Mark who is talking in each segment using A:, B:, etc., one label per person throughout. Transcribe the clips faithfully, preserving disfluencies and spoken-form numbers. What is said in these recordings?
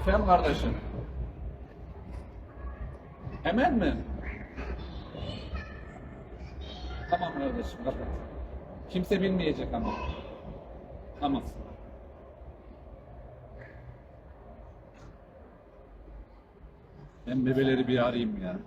A: Efendim kardeşim? Hemen mi? Tamam kardeşim, kapat. Kimse bilmeyecek ama. Tamam. Ben bebeleri bir arayayım ya.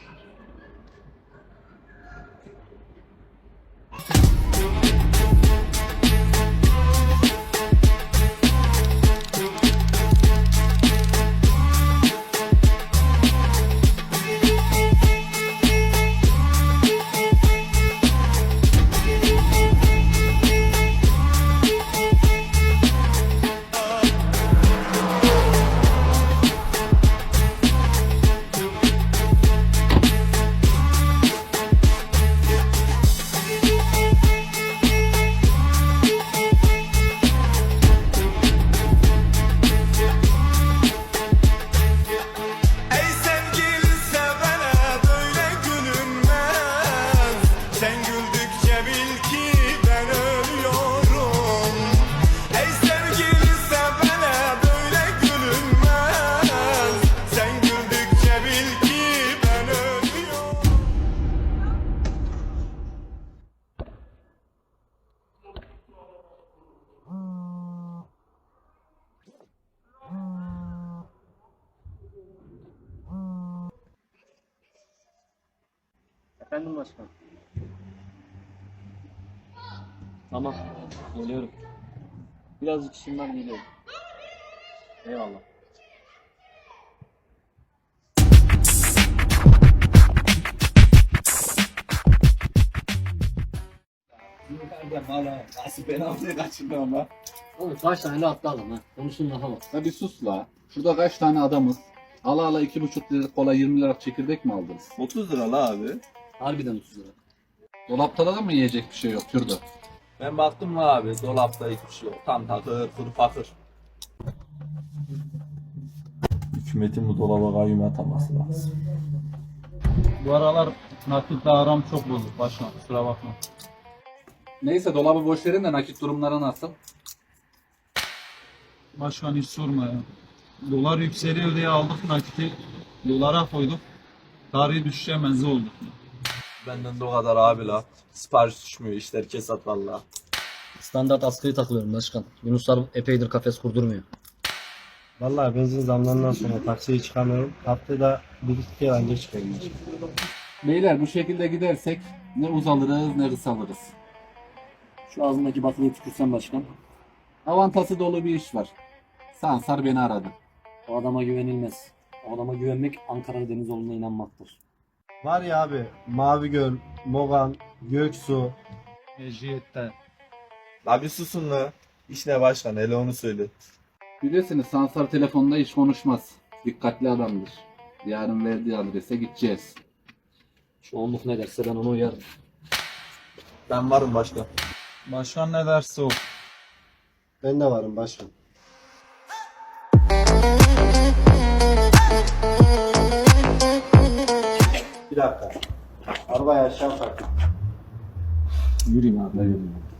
B: Efendim başkan. Tamam, geliyorum. Birazcık işim var, geliyorum. Eyvallah.
A: Yukarıda valla nasıl penaltıya kaçırdı ama.
B: Oğlum kaç tane attı adam ha? Konuşun lafa bak.
A: Ya bir sus la. Şurada kaç tane adamız? Ala ala iki buçuk lira kola yirmi lira çekirdek mi aldınız?
C: otuz lira la abi.
B: Harbiden otuz lira.
A: Dolapta da mı yiyecek bir şey yok Kürdo?
C: Ben baktım la abi, dolapta hiçbir şey yok. Tam takır, kuru fakır. Hükümetin bu dolaba kayyum ataması lazım.
D: Bu aralar nakitle aram çok bozuk başkan, kusura bakma.
A: Neyse dolabı boş verin de nakit durumları nasıl?
D: Başkan hiç sorma ya. Dolar yükseliyor diye aldık nakiti, dolara koyduk. Tarihi düşüşe benzi olduk.
C: Benden de o kadar abi la. Sipariş düşmüyor, işler kesat valla.
B: Standart askıyı takılıyorum başkan. Yunuslar epeydir kafes kurdurmuyor.
E: Vallahi benzin zamlarından sonra taksiye çıkamıyorum. Haftada bir iki kere anca çıkıyorum.
A: Beyler bu şekilde gidersek ne uzalırız ne kısalırız.
B: Şu ağzındaki baklıyı tükürsen başkan.
A: Avantası dolu bir iş var. Sansar beni aradı.
B: O adama güvenilmez. O adama güvenmek Ankara Denizoğlu'na inanmaktır.
E: Var ya abi Mavi Göl, Mogan, Göksu.
D: Mecliyette.
C: La bir susun la. İş ne başkan, hele onu söyle.
A: Bilirsiniz Sansar telefonda hiç konuşmaz. Dikkatli adamdır. Yarın verdiği adrese gideceğiz.
B: Şu onluk ne derse ben onu uyarım.
C: Ben varım başkan.
D: Başkan ne derse o.
E: Ben de varım başkan. Bir dakika. Arabayı aşağı bırak.
A: Yürüyün abi yürüyün.